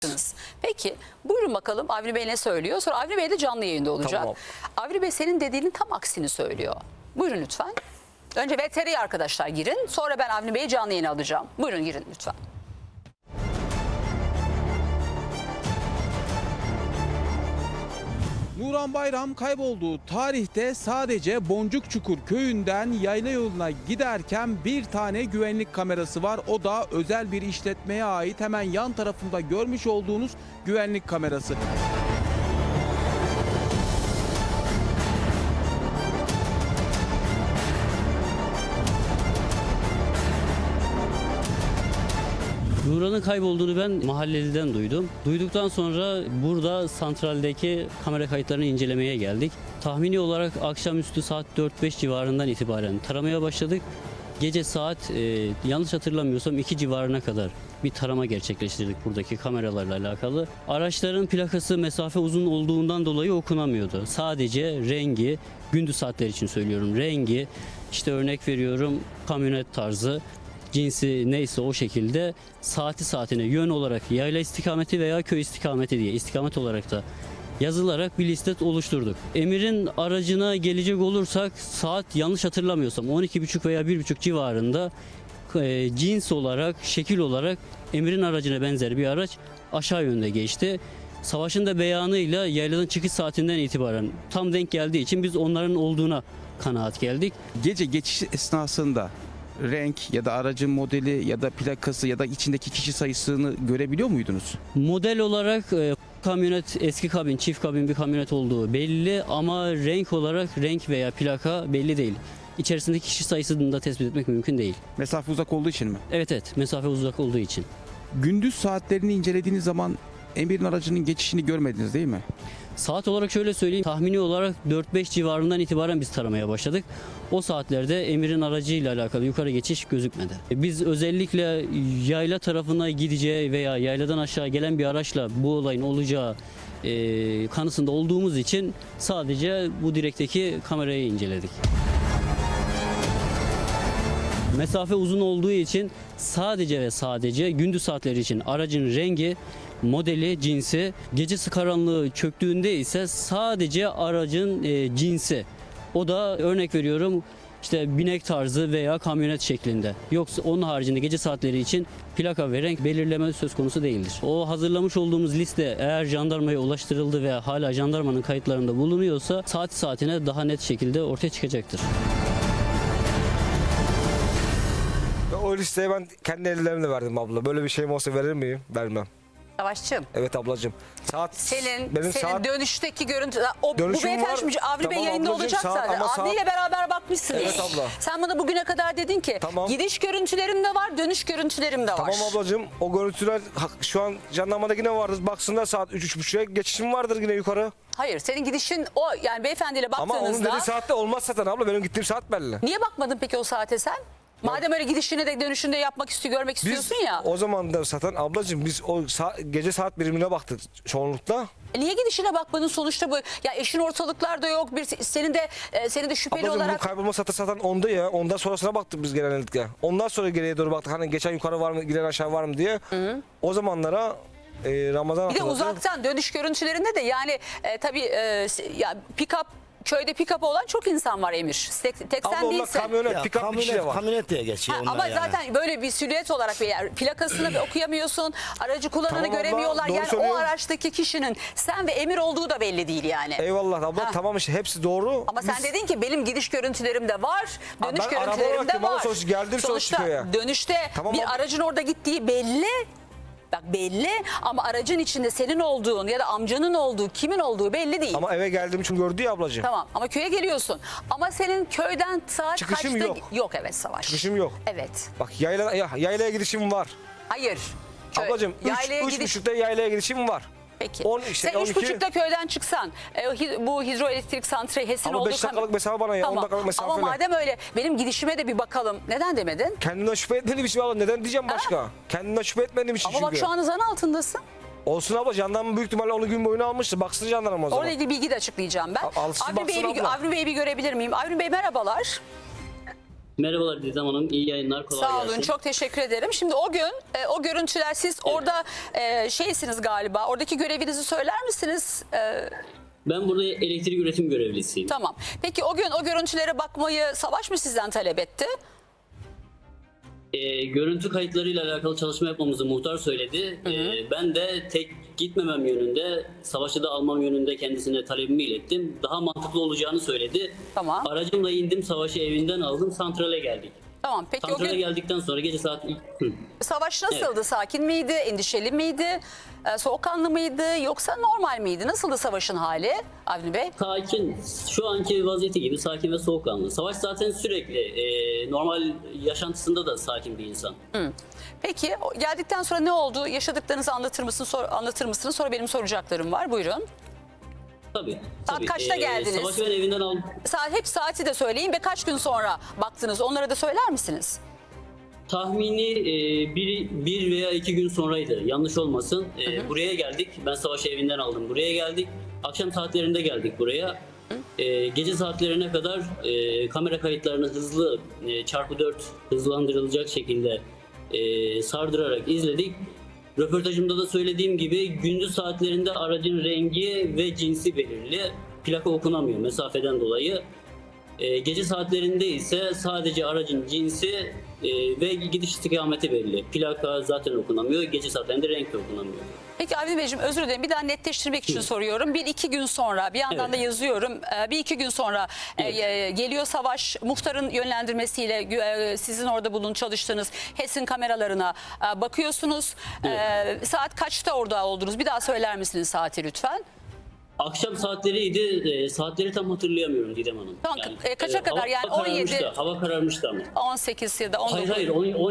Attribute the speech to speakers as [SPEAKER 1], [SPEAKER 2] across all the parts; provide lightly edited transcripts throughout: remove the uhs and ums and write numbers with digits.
[SPEAKER 1] Peki buyurun bakalım Avni Bey ne söylüyor? Sonra Avni Bey de canlı yayında olacak.
[SPEAKER 2] Tamam.
[SPEAKER 1] Avni Bey senin dediğinin tam aksini söylüyor. Buyurun lütfen. Önce VTR'ye arkadaşlar girin. Sonra ben Avni Bey'i canlı yayına alacağım. Buyurun girin lütfen.
[SPEAKER 3] Nuran Bayram kaybolduğu tarihte sadece Boncukçukur köyünden yayla yoluna giderken bir tane güvenlik kamerası var. O da özel bir işletmeye ait, hemen yan tarafında görmüş olduğunuz güvenlik kamerası.
[SPEAKER 4] Nuran'ın kaybolduğunu ben mahalleliden duydum. Duyduktan sonra burada santraldeki kamera kayıtlarını incelemeye geldik. Tahmini olarak akşamüstü saat 4-5 civarından itibaren taramaya başladık. Gece saat yanlış hatırlamıyorsam 2 civarına kadar bir tarama gerçekleştirdik buradaki kameralarla alakalı. Araçların plakası mesafe uzun olduğundan dolayı okunamıyordu. Sadece rengi, gündüz saatler için söylüyorum, rengi, işte örnek veriyorum kamyonet tarzı, cinsi neyse o şekilde saati saatine yön olarak yayla istikameti veya köy istikameti diye istikamet olarak da yazılarak bir liste oluşturduk. Emir'in aracına gelecek olursak saat yanlış hatırlamıyorsam 12.30 veya 1.30 civarında cins olarak, şekil olarak Emir'in aracına benzer bir araç aşağı yönde geçti. Savaş'ın da beyanıyla yayladan çıkış saatinden itibaren tam denk geldiği için biz onların olduğuna kanaat geldik.
[SPEAKER 3] Gece geçiş esnasında renk ya da aracın modeli ya da plakası ya da içindeki kişi sayısını görebiliyor muydunuz?
[SPEAKER 4] Model olarak kamyonet eski kabin, çift kabin bir kamyonet olduğu belli ama renk olarak renk veya plaka belli değil. İçerisindeki kişi sayısını da tespit etmek mümkün değil.
[SPEAKER 3] Mesafe uzak olduğu için mi?
[SPEAKER 4] Evet, mesafe uzak olduğu için.
[SPEAKER 3] Gündüz saatlerini incelediğiniz zaman Emir'in aracının geçişini görmediniz değil mi?
[SPEAKER 4] Saat olarak şöyle söyleyeyim, tahmini olarak 4-5 civarından itibaren biz taramaya başladık. O saatlerde Emir'in aracıyla alakalı yukarı geçiş gözükmedi. Biz özellikle yayla tarafına gideceği veya yayladan aşağı gelen bir araçla bu olayın olacağı kanısında olduğumuz için sadece bu direkteki kamerayı inceledik. Mesafe uzun olduğu için sadece ve sadece gündüz saatleri için aracın rengi, modeli, cinsi, gecesi karanlığı çöktüğünde ise sadece aracın cinsi. O da örnek veriyorum işte binek tarzı veya kamyonet şeklinde. Yoksa onun haricinde gece saatleri için plaka ve renk belirleme söz konusu değildir. O hazırlamış olduğumuz liste eğer jandarmaya ulaştırıldı ve hala jandarmanın kayıtlarında bulunuyorsa saat saatine daha net şekilde ortaya çıkacaktır.
[SPEAKER 2] O listeyi ben kendi ellerimle verdim abla. Böyle bir şeyim olsa verir miyim? Vermem.
[SPEAKER 1] Savaşçığım.
[SPEAKER 2] Evet ablacığım. Saat
[SPEAKER 1] Senin
[SPEAKER 2] saat
[SPEAKER 1] dönüşteki görüntü, bu
[SPEAKER 2] Dönüşüm
[SPEAKER 1] beyefendi
[SPEAKER 2] var.
[SPEAKER 1] şimdi Avni Bey
[SPEAKER 2] Tamam
[SPEAKER 1] yayında
[SPEAKER 2] ablacığım,
[SPEAKER 1] olacak
[SPEAKER 2] saat
[SPEAKER 1] zaten.
[SPEAKER 2] ama
[SPEAKER 1] Avni ile beraber bakmışsınız.
[SPEAKER 2] Evet abla.
[SPEAKER 1] Sen bana bugüne kadar dedin ki
[SPEAKER 2] Tamam.
[SPEAKER 1] gidiş görüntülerim de var, dönüş görüntülerim de var.
[SPEAKER 2] Tamam ablacığım. O görüntüler şu an jandarmada yine vardır. Baksınlar saat 3-3.30'ya geçişim vardır yine yukarı.
[SPEAKER 1] Hayır, senin gidişin o, yani beyefendiyle
[SPEAKER 2] Ama onun
[SPEAKER 1] baktığınızda.
[SPEAKER 2] dediği saatte olmaz zaten abla. Benim gittiğim saat belli.
[SPEAKER 1] Niye bakmadın peki o saate sen? Madem öyle gidişini de dönüşünü de yapmak istiyor, görmek istiyorsun ya.
[SPEAKER 2] O zaman da zaten ablacığım biz o gece saat birimine baktık çoğunlukla.
[SPEAKER 1] Niye gidişine bakmadın sonuçta bu? Ya eşin ortalıklarda yok. Senin de şüpheli
[SPEAKER 2] Ablacığım bu
[SPEAKER 1] olarak.
[SPEAKER 2] kaybolma saati zaten onda ya. Ondan sonrasına baktık biz genellikle. Ondan sonra geriye doğru baktık. Hani geçen yukarı var mı, giden aşağı var mı diye. Hı. O zamanlara Ramazan
[SPEAKER 1] Bir de
[SPEAKER 2] hatırladı.
[SPEAKER 1] uzaktan dönüş görüntülerinde de yani tabii ya köyde pick-up olan çok insan var Emir. Tek
[SPEAKER 2] Abla
[SPEAKER 1] sen
[SPEAKER 2] onlar
[SPEAKER 1] değilsin.
[SPEAKER 2] kamyonet, pick-up bir kişi de var.
[SPEAKER 5] Kamyonet diye geçiyor onlar
[SPEAKER 1] Ama
[SPEAKER 5] yani.
[SPEAKER 1] zaten böyle bir silüet olarak plakasını okuyamıyorsun. Aracı kullananı
[SPEAKER 2] Tamam abla,
[SPEAKER 1] göremiyorlar.
[SPEAKER 2] doğru
[SPEAKER 1] Yani o
[SPEAKER 2] söylüyor.
[SPEAKER 1] araçtaki kişinin sen ve Emir olduğu da belli değil yani.
[SPEAKER 2] Eyvallah abla, tamam işte hepsi doğru.
[SPEAKER 1] Ama sen dedin ki benim gidiş görüntülerim de var, dönüş
[SPEAKER 2] ben araba
[SPEAKER 1] görüntülerim
[SPEAKER 2] olarak
[SPEAKER 1] de
[SPEAKER 2] dedim ama
[SPEAKER 1] var.
[SPEAKER 2] sonuçta geldim
[SPEAKER 1] Sonuçta
[SPEAKER 2] köye.
[SPEAKER 1] dönüşte
[SPEAKER 2] Tamam
[SPEAKER 1] bir
[SPEAKER 2] abla.
[SPEAKER 1] aracın orada gittiği belli. Bak belli ama aracın içinde senin olduğun ya da amcanın olduğu, kimin olduğu belli değil.
[SPEAKER 2] Ama eve geldiğim için gördü ya ablacığım.
[SPEAKER 1] Tamam ama köye geliyorsun. Ama senin köyden saat
[SPEAKER 2] Çıkışım
[SPEAKER 1] kaçta?
[SPEAKER 2] yok.
[SPEAKER 1] Yok evet Savaş.
[SPEAKER 2] Çıkışım yok.
[SPEAKER 1] Evet.
[SPEAKER 2] Bak yaylaya gidişim var.
[SPEAKER 1] Hayır.
[SPEAKER 2] Ablacığım
[SPEAKER 1] yaylaya
[SPEAKER 2] 3.30'da yaylaya gidişim var.
[SPEAKER 1] Peki.
[SPEAKER 2] 10 işte,
[SPEAKER 1] Sen
[SPEAKER 2] 12.
[SPEAKER 1] 3.30'da köyden çıksan bu hidroelektrik santrali HES'in
[SPEAKER 2] Ama
[SPEAKER 1] olduğu
[SPEAKER 2] 5 dakikalık mesafe bana ya, 10 dakikalık mesafe
[SPEAKER 1] Ama
[SPEAKER 2] ne?
[SPEAKER 1] madem öyle benim gidişime de bir bakalım. Neden demedin?
[SPEAKER 2] Kendimden şüphe etmediğim için abla neden diyeceğim başka? Kendimden şüphe etmediğim için
[SPEAKER 1] Ama
[SPEAKER 2] çünkü.
[SPEAKER 1] bak şu an zan altındasın.
[SPEAKER 2] Olsun abla, jandarma büyük ihtimalle onu gün boyuna almıştı. Baksın jandarma o zaman.
[SPEAKER 1] Orayla ilgili bilgi de açıklayacağım ben.
[SPEAKER 2] Alsın
[SPEAKER 1] Avni
[SPEAKER 2] baksın abla.
[SPEAKER 1] Bey'i bir görebilir miyim? Avni Bey merhabalar.
[SPEAKER 4] Merhabalar Didem Hanım, iyi yayınlar, kolay
[SPEAKER 1] Sağ
[SPEAKER 4] gelsin.
[SPEAKER 1] olun, çok teşekkür ederim. Şimdi o gün o görüntüler, siz orada şeysiniz galiba, oradaki görevinizi söyler misiniz?
[SPEAKER 4] Ben burada elektrik üretim görevlisiyim.
[SPEAKER 1] Tamam. Peki o gün o görüntülere bakmayı Savaş mı sizden talep etti?
[SPEAKER 4] Görüntü kayıtlarıyla alakalı çalışma yapmamızı muhtar söyledi. Ben de tek gitmemem yönünde, savaşı da almam yönünde kendisine talebimi ilettim. Daha mantıklı olacağını söyledi.
[SPEAKER 1] Tamam.
[SPEAKER 4] Aracımla indim, savaşı evinden aldım, santrale geldik.
[SPEAKER 1] Tamam. Peki o
[SPEAKER 4] Santrale
[SPEAKER 1] gün
[SPEAKER 4] geldikten sonra gece saat...
[SPEAKER 1] Savaş nasıldı? Sakin miydi? Endişeli miydi? Soğukkanlı mıydı? Yoksa normal miydi? Nasıldı Savaş'ın hali Avni Bey?
[SPEAKER 4] Sakin, şu anki vaziyeti gibi sakin ve soğukkanlı. Savaş zaten sürekli normal yaşantısında da sakin bir insan.
[SPEAKER 1] Peki geldikten sonra ne oldu? Yaşadıklarınızı anlatır mısınız? Sonra benim soracaklarım var. Buyurun.
[SPEAKER 4] Tabii.
[SPEAKER 1] Saat
[SPEAKER 4] tabii.
[SPEAKER 1] kaçta geldiniz?
[SPEAKER 4] Savaşı ben evinden aldım.
[SPEAKER 1] Hep saati de söyleyin ve kaç gün sonra baktınız? Onlara da söyler misiniz?
[SPEAKER 4] Tahmini bir veya 2 gün sonraydı. Yanlış olmasın. Buraya geldik. Ben savaşı evinden aldım. Buraya geldik. Akşam saatlerinde geldik buraya. Gece saatlerine kadar kamera kayıtlarını hızlı çarpı 4 hızlandırılacak şekilde sardırarak izledik. Röportajımda da söylediğim gibi gündüz saatlerinde aracın rengi ve cinsi belirli. Plaka okunamıyor mesafeden dolayı. Gece saatlerinde ise sadece aracın cinsi ve gidiş istikameti belli. Plaka zaten okunamıyor. Gece saatlerinde renk de okunamıyor.
[SPEAKER 1] Peki Avni Beyciğim, özür dilerim, bir daha netleştirmek için soruyorum. 1-2 gün sonra, bir yandan
[SPEAKER 4] Evet.
[SPEAKER 1] da yazıyorum. 1-2 gün sonra geliyor Savaş, muhtarın yönlendirmesiyle sizin orada çalıştığınız HES'in kameralarına bakıyorsunuz. Saat kaçta orada oldunuz? Bir daha söyler misiniz saati lütfen?
[SPEAKER 4] Akşam saatleriydi. Saatleri tam hatırlayamıyorum Didem Hanım.
[SPEAKER 1] Tamam, kaça kadar? Yani 17
[SPEAKER 4] Hava kararmıştı ama.
[SPEAKER 1] 18 ya da 19.
[SPEAKER 4] Hayır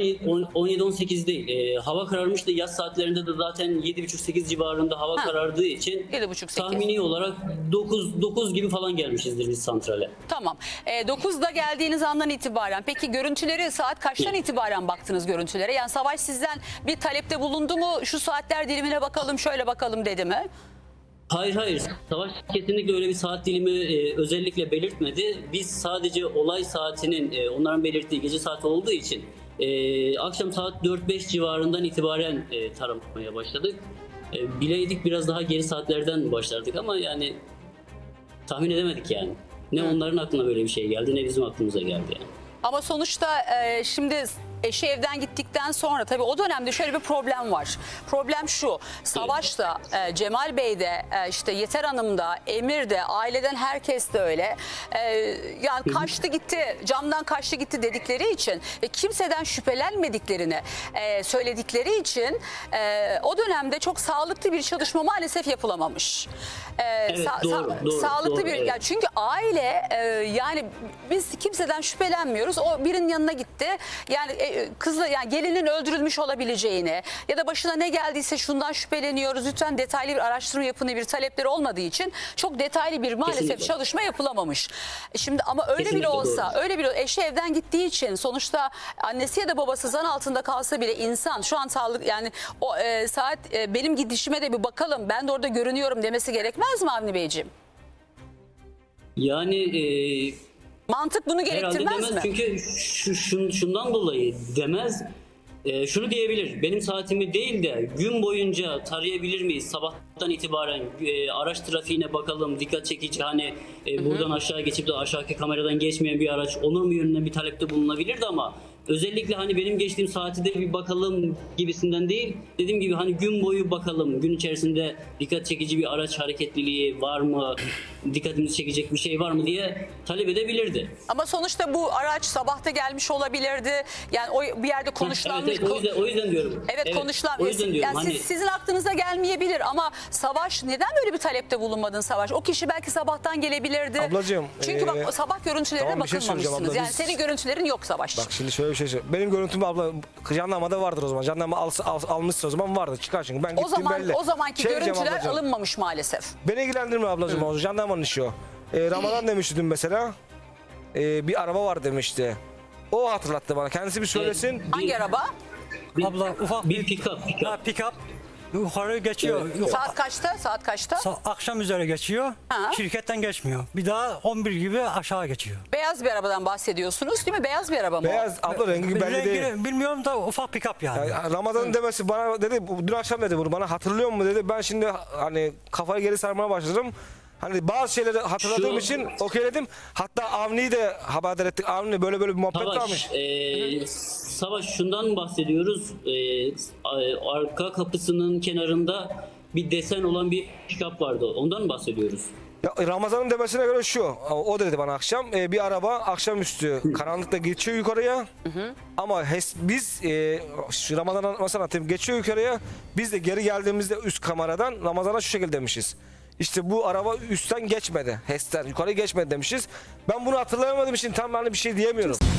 [SPEAKER 4] 17-18 değil. Hava kararmıştı. Yaz saatlerinde de zaten 7.30-8 civarında hava karardığı için
[SPEAKER 1] 7.30-8.
[SPEAKER 4] tahmini olarak 9 gibi falan gelmişizdir biz santrale.
[SPEAKER 1] Tamam. 9'da geldiğiniz andan itibaren, peki görüntüleri saat kaçtan itibaren baktınız görüntülere? Yani Savaş sizden bir talepte bulundu mu? Şu saatler dilimine bakalım, şöyle bakalım dedi mi?
[SPEAKER 4] Hayır. Savaş kesinlikle öyle bir saat dilimi özellikle belirtmedi. Biz sadece olay saatinin onların belirttiği gece saati olduğu için akşam saat 4-5 civarından itibaren taramaya başladık. Bileydik biraz daha geri saatlerden başlardık ama yani tahmin edemedik yani. Ne onların aklına böyle bir şey geldi ne bizim aklımıza geldi yani.
[SPEAKER 1] Ama sonuçta şimdi eşi evden gittikten sonra tabii o dönemde şöyle bir problem var. Problem şu: Savaş da, Cemal Bey de, işte Yeter Hanım da, Emir de, aileden herkes de öyle. Yani kaçtı gitti, camdan kaçtı gitti dedikleri için ve kimseden şüphelenmediklerini söyledikleri için o dönemde çok sağlıklı bir çalışma maalesef yapılamamış.
[SPEAKER 4] Evet, doğru,
[SPEAKER 1] Sağlıklı bir,
[SPEAKER 4] evet.
[SPEAKER 1] yani çünkü aile yani biz kimseden şüphelenmiyoruz. O birinin yanına gitti. Yani kızla, yani gelinin öldürülmüş olabileceğini ya da başına ne geldiyse şundan şüpheleniyoruz. Lütfen detaylı bir araştırma yapın, bir talepleri olmadığı için çok detaylı bir maalesef
[SPEAKER 4] Kesinlikle.
[SPEAKER 1] çalışma yapılamamış. Şimdi ama öyle
[SPEAKER 4] Kesinlikle
[SPEAKER 1] bile olsa,
[SPEAKER 4] doğru.
[SPEAKER 1] öyle bile eşi evden gittiği için sonuçta annesi ya da babası zan altında kalsa bile insan şu an sağlık, yani o saat benim gidişime de bir bakalım, ben de orada görünüyorum demesi gerekmez mi Avni Beyciğim?
[SPEAKER 4] Yani
[SPEAKER 1] Mantık bunu
[SPEAKER 4] herhalde
[SPEAKER 1] gerektirmez
[SPEAKER 4] demez
[SPEAKER 1] mi?
[SPEAKER 4] çünkü şundan dolayı demez. Şunu diyebilir: benim saatimi değil de gün boyunca tarayabilir miyiz? Sabahtan itibaren araç trafiğine bakalım, dikkat çekici, hani buradan aşağı geçip de aşağıki kameradan geçmeyen bir araç olur mu yönüne bir talepte bulunabilirdi ama özellikle hani benim geçtiğim saati de bir bakalım gibisinden değil. Dediğim gibi hani gün boyu bakalım, gün içerisinde dikkat çekici bir araç hareketliliği var mı, dikkatimizi çekecek bir şey var mı diye talep edebilirdi.
[SPEAKER 1] Ama sonuçta bu araç sabahta gelmiş olabilirdi. Yani o bir yerde konuşlanmış.
[SPEAKER 4] Evet, o yüzden diyorum.
[SPEAKER 1] Evet, konuşulan.
[SPEAKER 4] O yüzden diyorum.
[SPEAKER 1] Yani
[SPEAKER 4] Hani
[SPEAKER 1] sizin aklınıza gelmeyebilir ama Savaş, neden böyle bir talepte bulunmadın Savaş? O kişi belki sabahtan gelebilirdi.
[SPEAKER 2] Ablacığım,
[SPEAKER 1] Çünkü bak o sabah görüntülerine
[SPEAKER 2] tamam, bir şey söyleyeceğim
[SPEAKER 1] bakılmamışsınız.
[SPEAKER 2] abla,
[SPEAKER 1] Yani
[SPEAKER 2] biz-
[SPEAKER 1] senin görüntülerin yok Savaş.
[SPEAKER 2] Bak şimdi şöyle bir şey söyleyeyim. Benim görüntüm abla jandarmada vardır o zaman. Jandarma almışsa o zaman vardır. Çıkar çünkü ben gittiğim belli.
[SPEAKER 1] O zamanki
[SPEAKER 2] Şey diyeceğim
[SPEAKER 1] görüntüler
[SPEAKER 2] ablacığım,
[SPEAKER 1] alınmamış maalesef.
[SPEAKER 2] beni ilgilendirmiyor ablacığım o jandarmanın işi o. Ramazan demişti dün mesela. Bir araba var demişti. O hatırlattı bana. Kendisi bir söylesin.
[SPEAKER 1] Hangi araba?
[SPEAKER 5] Abla ufak
[SPEAKER 4] bir pick-up.
[SPEAKER 5] pick-up. yukarı geçiyor.
[SPEAKER 1] Saat kaçta? Saat kaçta?
[SPEAKER 5] Akşam üzere geçiyor.
[SPEAKER 1] Ha.
[SPEAKER 5] Şirketten geçmiyor. Bir daha 11 gibi aşağı geçiyor.
[SPEAKER 1] Beyaz bir arabadan bahsediyorsunuz değil mi? Beyaz bir araba mı? o?
[SPEAKER 2] Beyaz abla rengi belli değil.
[SPEAKER 5] Rengini bilmiyorum da ufak pick-up yani.
[SPEAKER 2] Yani Ramazan'ın demesi bana dedi, dün akşam dedi bunu bana, hatırlıyor musun dedi. Ben şimdi hani kafayı geri sarmaya başladım. Hani bazı şeyleri hatırladığım
[SPEAKER 4] Şu-
[SPEAKER 2] için okeyledim. Hatta Avni'yi de haberdar ettik. Avni böyle bir muhabbet varmış.
[SPEAKER 4] Savaş şundan bahsediyoruz. Arka kapısının kenarında bir desen olan bir pick-up vardı. Ondan mı bahsediyoruz?
[SPEAKER 2] Ya, Ramazan'ın demesine göre şu. O dedi bana akşam. Bir araba akşamüstü karanlıkta geçiyor yukarıya. Ama biz şu Ramazan'ın mesela anlatayım, geçiyor yukarıya. Biz de geri geldiğimizde üst kameradan Ramazan'a şu şekilde demişiz. İşte bu araba üstten geçmedi. HES'ten yukarı geçmedi demişiz. Ben bunu hatırlayamadığım için tam hani bir şey diyemiyorum.